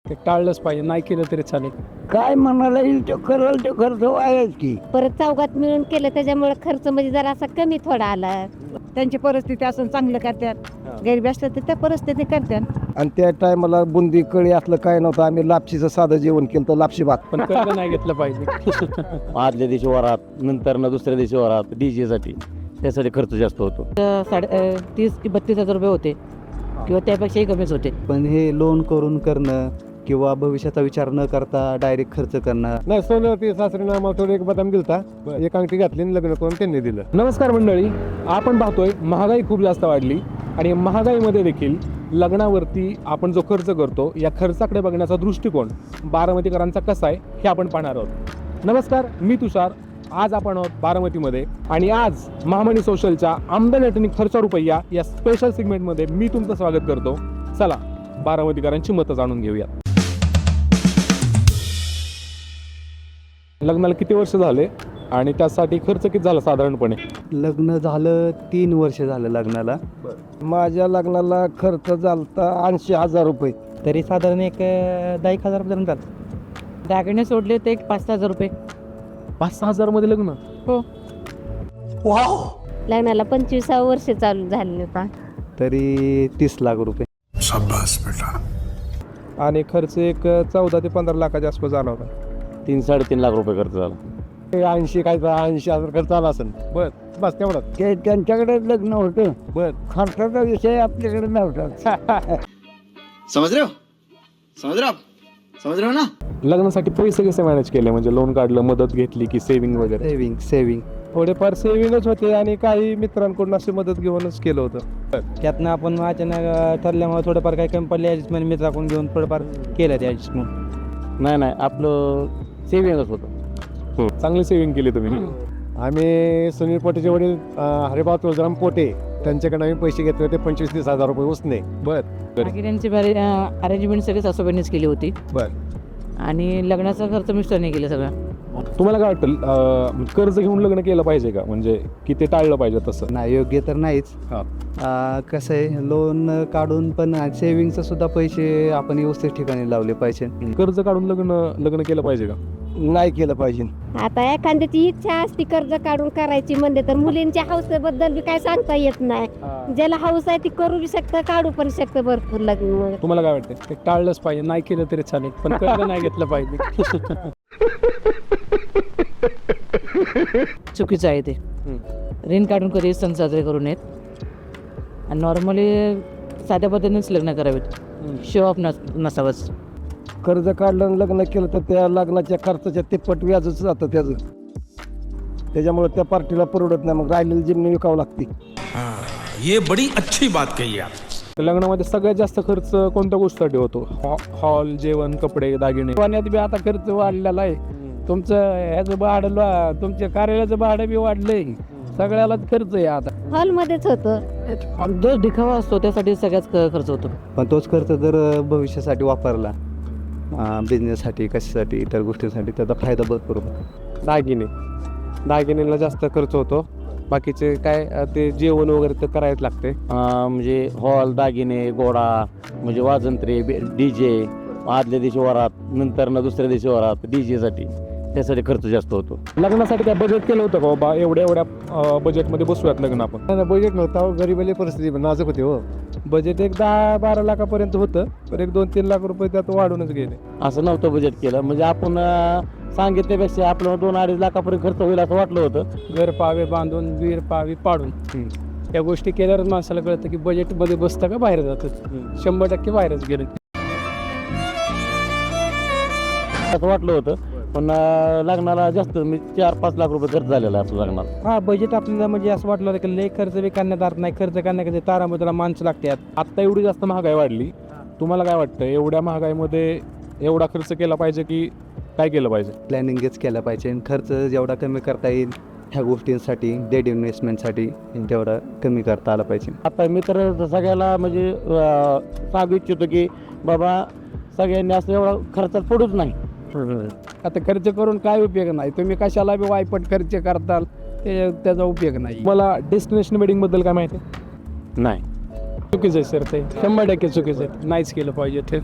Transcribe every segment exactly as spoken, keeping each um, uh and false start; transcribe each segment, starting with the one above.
ते टाळलंच पाहिजे, नाही केलं तरी चालेल. काय म्हणाला येईल तो करल तो खर्च व्हायच की. परत चौघात मिळून केलं त्याच्यामुळे खर्च म्हणजे जरा असा कमी थोडा आला. त्यांची परिस्थिती असं चांगलं करतात, गरिबी असलं तर त्या परिस्थिती करतात. आणि त्या टायमाला बुंदी कळी असलं काय नव्हतं, आम्ही लापशीचं साधं जेवण केलं तर लापशी भात. पण कर्ज नाही घेतलं पाहिजे. आदल्या दिवशी वरात, नंतर ना दुसऱ्या दिवशी वरात, डीजे साठी त्यासाठी खर्च जास्त होतो. साडे अं, तीस की बत्तीस हजार रुपये होते किंवा त्यापेक्षाही कमीच होते. पण हे लोन करून करणं किंवा भविष्याचा विचार न करता डायरेक्ट खर्च करणं. नाही सोनं ते सासरीनं आम्हाला थोडं एक बदाम दिलता, एक अंगठी घातली आणि लग्न करून त्यांनी दिलं. नमस्कार मंडळी, आपण पाहतोय महागाई खूप जास्त वाढली आणि महागाईमध्ये देखील लग्नावरती आपण जो खर्च करतो या खर्चाकडे बघण्याचा दृष्टिकोन बारामतीकरांचा कसा आहे हे आपण पाहणार आहोत. नमस्कार, मी तुषार. आज आपण आहोत बारामतीमध्ये आणि आज महामनी सोशलच्या आमदानी अटनी खर्चा रुपया या स्पेशल सेगमेंटमध्ये मी तुमचं स्वागत करतो. चला बारामतीकरांची मतं जाणून घेऊया. लग्नाला किती वर्ष झाले आणि त्यासाठी खर्च किती झाला साधारणपणे? लग्न झालं तीन वर्ष झालं लग्नाला. माझ्या लग्नाला खर्च झालता ऐंशी हजार रुपये. तरी साधारण एक अं, दहा एक हजार पर्यंत जातात. दागिने सोडले तर एक पाच सहा हजार रुपये. पाच सहा हजार मध्ये लग्न? हो. लग्नाला पंचवीसावं वर्ष चालू झाले होता. तरी तीस लाख रुपये. आणि खर्च एक चौदा ते पंधरा लाखाच्या आसपास झाला होता. तीन साडेतीन लाख रुपये खर्च झाला. ऐंशी काय ऐंशी हजार खर्च आला असेल. बर, बस तेवढंच. ते त्यांच्याकडे लग्न होतं, बर. खर्चाचा विषय आपल्याकडे नव्हता. समझ रहे हो समझ रहे हो आप समझ रहे हो ना. लग्नासाठी पैसे कसे मॅनेज केले? म्हणजे लोन काढलं, मदत घेतली की सेव्हिंग वगैरे? सेविंग सेविंग थोडेफार सेव्हिंगच होते आणि काही मित्रांकडून अशी मदत घेऊनच केलं होतं. त्यातनं आपण अचानक ठरल्यामुळे थोडंफार काही कमी पडले ॲडजस्टमेंट मित्राकडून घेऊन थोडंफार केलं ते ॲडजस्टमेंट. नाही नाही आपलं सेव्हिंगच होतं. चांगली सेव्हिंग केली तुम्ही. आम्ही सुनील पोटेचे वडील अं, हरिभाऊ तुळजाराम पोटे त्यांच्याकडे आम्ही पैसे घेतले होते पंचवीस तीस हजार रुपये उसने. बर. बाकी त्यांची अरेंजमेंट सगळी सासूबाईंनीच केली होती. बर. आणि लग्नाचा खर्च मिस्टरने केला सगळा. तुम्हाला काय वाटतं, अं, कर्ज घेऊन लग्न केलं पाहिजे का? म्हणजे की ते टाळलं पाहिजे तसं? नाही, योग्य तर नाहीच. हा. आ, कसं आहे, लोन काढून पण सेविंगचं सुद्धा पैसे आपण व्यवस्थित ठिकाणी लावले पाहिजे. कर्ज काढून लग्न लग्न केलं पाहिजे का? नाही केलं पाहिजे. आता एखाद्याची इच्छा असती कर्ज काढून करायची म्हणजे तर मुलींच्या हौसेबद्दल बी काय सांगता येत नाही. ज्याला हौस आहे ती करू बी शकतं, काढू पण शकतं भरपूर लग्न. तुम्हाला काय वाटतं? ते टाळलंच पाहिजे, नाही केलं तरी चालेल, पण कर्ज नाही घेतलं पाहिजे. चुकीचं आहे ते. ऋण काढून कधी सण साजरे करू नयेत आणि नॉर्मली साध्या पद्धतीनेच लग्न करावेत. शो ऑफ नस नसावंच. कर्ज काढलं आणि लग्न केलं तर त्या लग्नाच्या खर्चाच्या तिप्पट व्याजच जातं त्याचं. त्याच्यामुळे त्या पार्टीला परवडत नाही, मग राहिलेली जमीन विकावं लागते. ये बड़ी अच्छी बात कही आप. तर लग्नामध्ये सगळ्यात जास्त खर्च कोणत्या गोष्टीसाठी होतो? हॉल, जेवण, कपडे, दागिने. पाण्यात बी आता खर्च वाढलेला आहे. तुमचं ह्याचं भाडं, तुमच्या कार्यालयाचं भाडं बी वाढलंय. सगळ्यालाच खर्च आहे आता. हॉलमध्येच होतं. जो दिखावा असतो त्यासाठी सगळ्याच ख- खर्च होतो. पण तोच खर्च जर भविष्यासाठी वापरला, बिझनेससाठी, कशासाठी, इतर गोष्टींसाठी, त्याचा फायदा भरपूर होतो. दागिने दागिनेला जास्त खर्च होतो. बाकीचे काय अं, ते जेवण वगैरे तर करायच लागते. अं, म्हणजे हॉल, दागिने, गोडा, म्हणजे वाजंत्रे, डीजे, आदल्या दिवशी वरात, नंतर ना दुसऱ्या दिवशी वरात, डीजे साठी त्यासाठी खर्च जास्त होतो. लग्नासाठी काय बजेट केलं होतं का बाबा? एवढ्या एवढ्या बजेटमध्ये बसूयात लग्न आपण? बजेट नव्हता, गरीबाली परिस्थिती नाजूक होती हो. बजेट एक दहा बारा लाखापर्यंत होतं, तर एक दोन तीन लाख रुपये त्यात वाढूनच गेले. असं नव्हतं बजेट केलं. म्हणजे आपण अं, सांगितल्यापेक्षा आपलं दोन अडीच लाखापर्यंत खर्च होईल असं वाटलं होतं. घर पावे बांधून, वीर पावी पाडून या गोष्टी केल्यावर माणसाला कळतं की बजेटमध्ये बसतं का बाहेर जातं. शंभर टक्के बाहेरच गेलं. असं वाटलं होतं. पण अं, लग्नाला जास्त म्हणजे चार पाच लाख रुपये खर्च झालेला आहे आपल्या लग्नाला. हा, बजेट आपल्याला म्हणजे असं वाटलं होतं की लय खर्च बी करण्यात अर्थ नाही. खर्च करण्याकडे तारामधला माणसं लागतात. आत्ता एवढी जास्त महागाई वाढली, तुम्हाला काय वाटतं एवढ्या महागाईमध्ये एवढा खर्च केला पाहिजे की काय केलं पाहिजे? प्लॅनिंगच केलं पाहिजे. खर्च जेवढा कमी करता येईल ह्या गोष्टींसाठी, डेड इन्व्हेस्टमेंटसाठी तेवढा कमी करता आला पाहिजे. आता मी तर सगळ्याला म्हणजे अं, सांगू इच्छितो की बाबा सगळ्यांनी असं एवढा खर्चात पडूच नाही. आता खर्च करून काय उपयोग नाही. तुम्ही कशाला बी वायपट खर्च करताल, ते त्याचा उपयोग नाही. मला डेस्टिनेशन वेडिंग बद्दल काय माहिती? नाही. चुकीचं आहे सर, ते शंभर टक्के चुकीचं आहे. नाहीच केलं पाहिजे ते.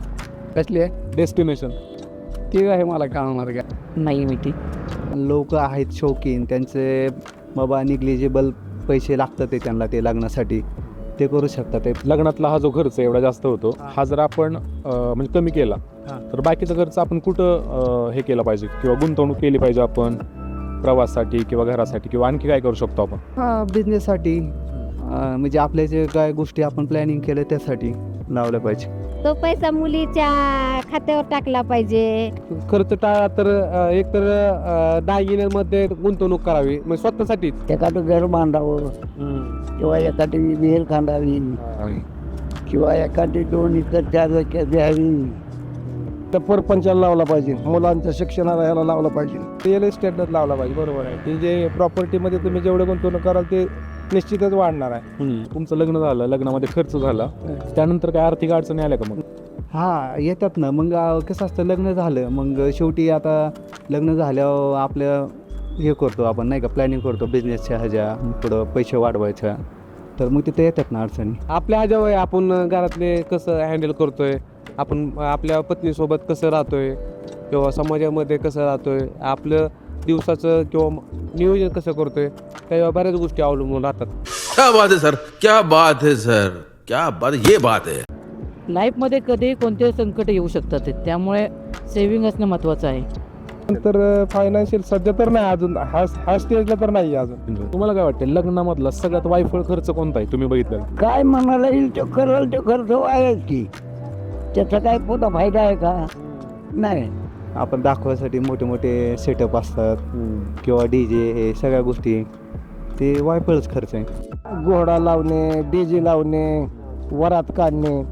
कसली आहे डेस्टिनेशन. ती आहे मला कळणार का. नाही माहिती. लोक आहेत शौकीन, त्यांचे बाबा निग्लिजिबल पैसे लागतात ते त्यांना ते लग्नासाठी, ते करू शकतात ते. लग्नातला हा जो खर्च एवढा जास्त होतो हा जर आपण अं, म्हणजे कमी केला तर बाकीचा खर्च आपण कुठं अं, हे केलं पाहिजे किंवा गुंतवणूक केली पाहिजे आपण प्रवासासाठी किंवा घरासाठी किंवा आणखी काय करू शकतो आपण? हां, बिझनेससाठी म्हणजे आपल्या जे काय गोष्टी आपण प्लॅनिंग केलं त्यासाठी लावलं पाहिजे. तो पैसा मुलीच्या खात्यावर टाकला पाहिजे. खर्च टाळा तर अं, एक तर अं, दागिन्यांमध्ये गुंतवणूक करावी म्हणजे स्वतःसाठीच. एखादं घर बांधावं किंवा एखादी विहीर खांदावी किंवा एखादी दोन इतर चार वाक्या द्यावी. तर परपंचाला लावला पाहिजे, मुलांच्या शिक्षणाला याला लावलं पाहिजे. रिअल इस्टेटच लावला पाहिजे. बरोबर आहे. ते जे प्रॉपर्टीमध्ये तुम्ही जेवढे गुंतवणूक कराल ते निश्चितच वाढणार आहे. तुमचं लग्न झालं, लग्नामध्ये खर्च झाला, त्यानंतर काय आर्थिक अडचणी आल्या का मग? हां, येतात ना. मग अं, कसं असतं, लग्न झालं मग शेवटी आता लग्न झाल्यावर आपलं हे करतो आपण नाही का, प्लॅनिंग करतो बिझनेसच्या ह्याच्या पुढं पैसे वाढवायच्या, तर मग तिथे येतात ना अडचणी. आपल्या ह्याच्यावर आपण घरातले कसं हँडल करतोय, आपण आपल्या पत्नीसोबत कसं राहतोय किंवा समाजामध्ये कसं राहतोय, आपलं दिवसाचं किंवा नियोजन कसं करतोय, त्याच्यावर बऱ्याच गोष्टी अवलंबून राहतात. क्या बात है सर, क्या बात है सर, क्या बात, ये बात है. लाईफमध्ये कधी कोणते संकट येऊ शकतात ते, त्यामुळे सेव्हिंग असणं महत्त्वाचं आहे. तर फायनान्शियल सध्या तर नाही अजून, हा हा स्टेजला तर नाही अजून. तुम्हाला काय वाटतं लग्नामधला सगळ्यात वायफळ खर्च कोणता आहे तुम्ही बघितलं? काय म्हणाला येईल तो करल तो खर्च वाढेल की, त्याचा काय पुन्हा फायदा आहे का? नाही. आपण दाखवायसाठी मोठे मोठे सेटअप असतात किंवा डी जे, हे सगळ्या गोष्टी ते वायफळच खर्च आहे. घोडा लावणे, डीजे लावणे, वरात काढणे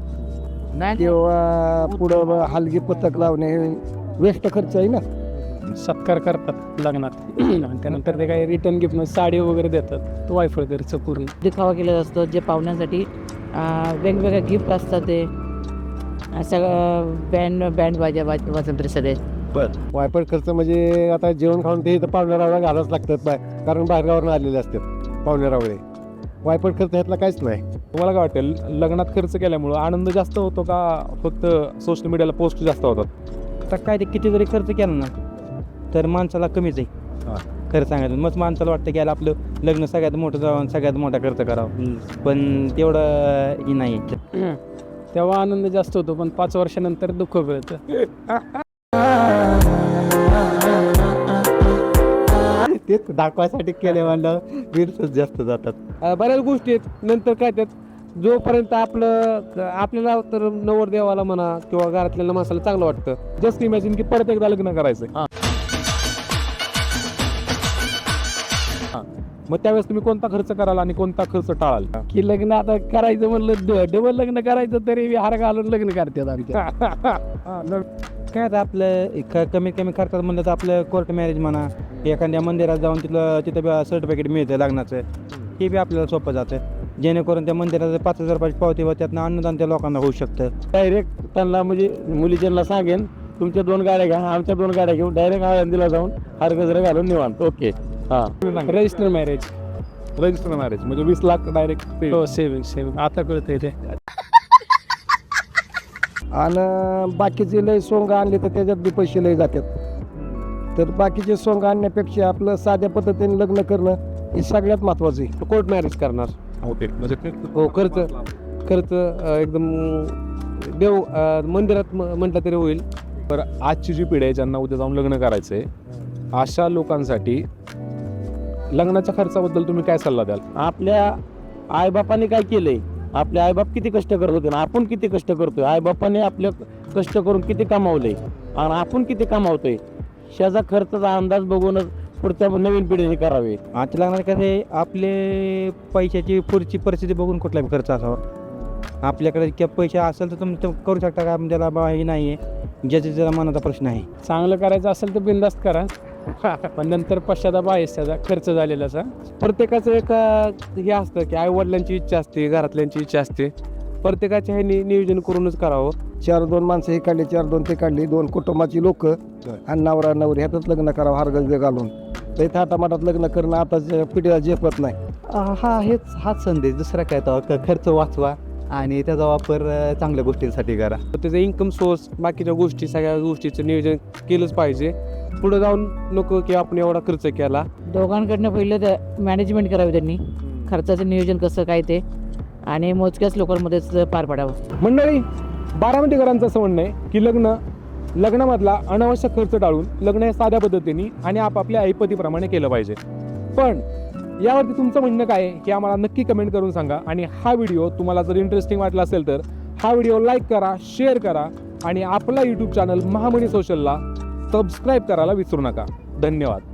किंवा पुढं हलगी पथक लावणे, हे वेस्ट खर्च आहे ना. सत्कार करतात लग्नात आणि त्यानंतर ते काही रिटर्न गिफ्ट साडी वगैरे देतात, तो वायफळ खर्च पूर्ण. दिखावा केला असतो जे पाहुण्यांसाठी अं, वेगवेगळे गिफ्ट असतात ते अं, सगळं बँड बँड वाजा वाज वाजंत्री सगळे. वायफळ खर्च म्हणजे आता जेवण खाऊन ते इथं पाहुण्यारावला घालावंच लागतात बाय, कारण बाहेरगावरून आलेले असतात पाहुण्यारावळे. वायफळ खर्च ह्यातला काहीच नाही. तुम्हाला काय वाटेल लग्नात खर्च केल्यामुळं आनंद जास्त होतो का फक्त सोशल मीडियाला पोस्ट जास्त होतात? आता काय ते किती जरी खर्च केला ना तर माणसाला कमीच आहे. खरं सांगायचं मग माणसाला वाटतं की याला आपलं लग्न सगळ्यात मोठं जावं, सगळ्यात मोठा खर्च करावा, पण तेवढं ही नाही. तेव्हा आनंद जास्त होतो, पण पाच वर्षानंतर दुःख कळतं. तेच दाखवायसाठी केले म्हणलं रील्सच जास्त जातात. अं, बऱ्याच गोष्टी आहेत. नंतर काय त्यात जोपर्यंत आपलं आपल्याला तर नवरदेवाला म्हणा किंवा घरातल्या माणसाला चांगलं वाटतं, जस्ट इमॅजिन की परत एकदा लग्न करायचंय, मग त्यावेळेस तुम्ही कोणता खर्च कराल आणि कोणता खर्च टाळाल? की लग्न आता करायचं म्हणलं, डबल लग्न करायचं तरी हार घालून लग्न करतात आमच्या. काय आता आपलं क कमीत कमी खर्चात म्हणलं तर आपलं कोर्ट मॅरेज म्हणा, एखाद्या मंदिरात जाऊन तिथलं तिथं सर्टिफिकेट मिळतं लग्नाचं, हे बी आपल्याला सोपं जातं, जेणेकरून त्या मंदिराचं पाच हजार रुपयाची पावती व त्यातनं अन्नदान त्या लोकांना होऊ शकतं. डायरेक्ट त्यांना म्हणजे मुलीच्यांना सांगेन तुमच्या दोन गाड्या घ्या, आमच्या दोन गाड्या घेऊन डायरेक्ट आळंदीला जाऊन हार गजरा घालून निवांत. ओके. हां, रजिस्टर मॅरेज. रजिस्टर मॅरेज म्हणजे वीस लाख डायरेक्ट. हो, सेविंग सेविंग आता कळतंय ते. आणि बाकीचे लय सोंग आणले तर त्याच्यात बी पैसे लय जातात. तर बाकीचे सोंग आणण्यापेक्षा आपलं साध्या पद्धतीने लग्न करणं हे सगळ्यात महत्त्वाचं आहे. कोर्ट मॅरेज करणार होते म्हणजे हो. खर्च खर्च अं, एकदम देव अं, मंदिरात म- म्हटलं तरी होईल. तर आजची जी पिढी आहे ज्यांना उद्या जाऊन लग्न करायचंय अशा लोकांसाठी लग्नाच्या खर्चाबद्दल तुम्ही काय सल्ला द्याल? आपल्या आईबापाने काय केलंय, आपले आईबाप किती कष्ट करत होते ना आपण किती कष्ट करतोय, आईबापाने आपलं कष्ट करून किती कमावलंय आणि आपण किती कमावतोय, ह्याचा खर्चाचा अंदाज बघूनच पुढच्या नवीन पिढीने करावे. आजच्या लग्नात कसं आपले पैशाची पुढची परिस्थिती बघून कुठलाही खर्च असावा. आपल्याकडे किंवा पैसे असेल तर तुम्ही ते करू शकता का, त्याला बा हे नाही आहे, ज्याच्या ज्याचा मनाचा प्रश्न आहे. चांगलं करायचं असेल तर बिनधास्त करा, पण नंतर पश्चाताप आहेच त्याचा खर्च झालेलाचा. प्रत्येकाचं एक अं, हे असतं की आई वडिलांची इच्छा असते, घरातल्यांची इच्छा असते, प्रत्येकाच्या हे नि- नियोजन करूनच करावं. चार दोन माणसं हे काढली, चार दोन ते काढली, दोन कुटुंबाची लोक आणि नवरा नवरी ह्यातच लग्न करावं हारगजबे घालून. ते थाटामाटात लग्न करणं आताच्या पिढीला झेपत नाही. हा हेच हाच संदेश, दुसरा काय तर क- खर्च वाचवा आणि त्याचा वापर अ, चांगल्या गोष्टींसाठी करा. त्याचा इन्कम सोर्स बाकीच्या गोष्टी सगळ्या गोष्टीचं नियोजन केलंच पाहिजे. पुढे जाऊन नको की आपण एवढा खर्च केला. दोघांकडनं पहिलं मॅनेजमेंट करावी त्यांनी, खर्चाचं नियोजन कसं काय ते, आणि मोजक्याच लोकांमध्येच पार पाडावं. मंडळी, बारामतीकरांचं असं म्हणणं आहे की लग्न लग्नामधला अनावश्यक खर्च टाळून लग्न हे साध्या पद्धतीने आणि आपापल्या ऐपतीप्रमाणे केलं पाहिजे. पण यावरती तुमचं म्हणणं काय आहे हे आम्हाला नक्की कमेंट करून सांगा. आणि हा व्हिडिओ तुम्हाला जर इंटरेस्टिंग वाटला असेल तर हा व्हिडिओ लाईक करा, शेअर करा आणि आपला यूट्यूब चॅनल महामनी सोशलला सबस्क्राईब करायला विसरू नका. धन्यवाद.